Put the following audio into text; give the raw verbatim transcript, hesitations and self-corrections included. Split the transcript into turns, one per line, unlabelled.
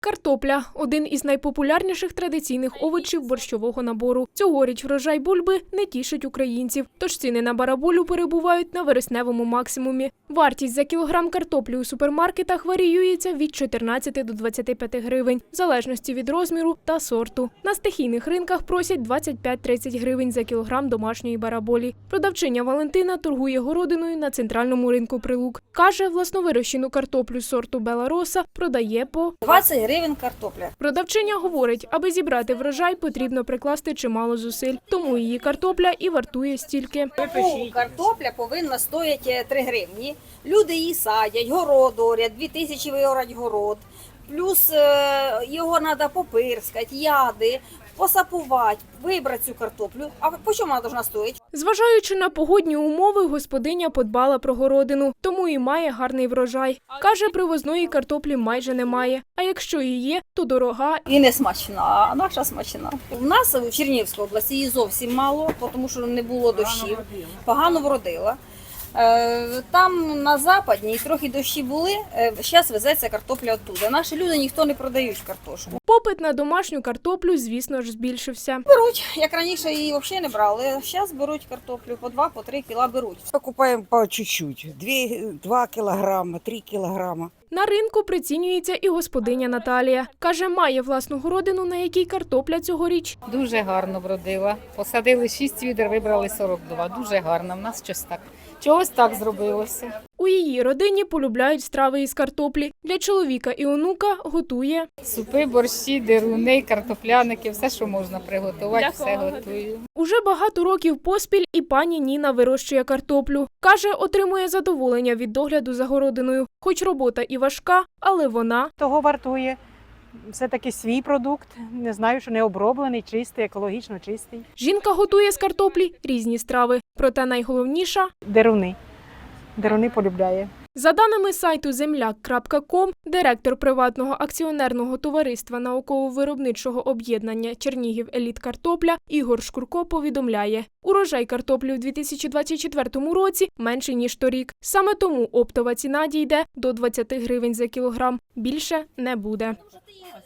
Картопля – один із найпопулярніших традиційних овочів борщового набору. Цьогоріч врожай бульби не тішить українців, тож ціни на бараболю перебувають на вересневому максимумі. Вартість за кілограм картоплі у супермаркетах варіюється від чотирнадцяти до двадцяти п'яти гривень, в залежності від розміру та сорту. На стихійних ринках просять двадцять п'ять - тридцять гривень за кілограм домашньої бараболі. Продавчиня Валентина торгує городиною на центральному ринку Прилук. Каже, власновирощену картоплю сорту Бела Роса продає по
двадцять гривень картопля.
Продавчиня говорить, аби зібрати врожай, потрібно прикласти чимало зусиль. Тому її картопля і вартує стільки.
Пол картопля повинна стояти три гривні. Люди її садять, город орять, дві тисячі виорать город. Плюс е, його треба попирскати, яди, посапувати, вибрати цю картоплю. А по чому вона повинна стоїти?
Зважаючи на погодні умови, господиня подбала про городину, тому і має гарний врожай. Каже, привозної картоплі майже немає, а якщо і є, то дорога.
І не смачна, а наша смачна. У нас у Чернігівській області її зовсім мало, тому що не було дощів, погано вродила. Там на Западній трохи дощі були, зараз везеться картопля оттуда. Наші люди ніхто не продають картошку.
Попит на домашню картоплю, звісно ж, збільшився.
Беруть, як раніше її взагалі не брали, зараз беруть картоплю по два, по три кіла беруть.
Покупаем по чуть-чуть, два килограмма, три килограмма.
На ринку прицінюється і господиня Наталія. Каже, має власну городину, на якій картопля цьогоріч.
Дуже гарно вродила. Посадили шість відер, вибрали сорок два. Дуже гарно. В нас щось так. Чогось так зробилося.
У її родині полюбляють страви із картоплі. Для чоловіка і онука готує
Супи, борщі, деруни, картопляники, все, що можна приготувати, все готую.
Уже багато років поспіль і пані Ніна вирощує картоплю. Каже, отримує задоволення від догляду за городиною. Хоч робота і важка, але вона
того вартує. Все-таки свій продукт, не знаю, що не оброблений, чистий, екологічно чистий.
Жінка готує з картоплі різні страви. Проте найголовніша –
Деруни. Деруни полюбляє.
За даними сайту земляк крапка ком, директор приватного акціонерного товариства науково-виробничого об'єднання «Чернігів Еліт Картопля» Ігор Шкурко повідомляє, урожай картоплі у дві тисячі двадцять четвертому році менший, ніж торік. Саме тому оптова ціна дійде до двадцяти гривень за кілограм. Більше не буде.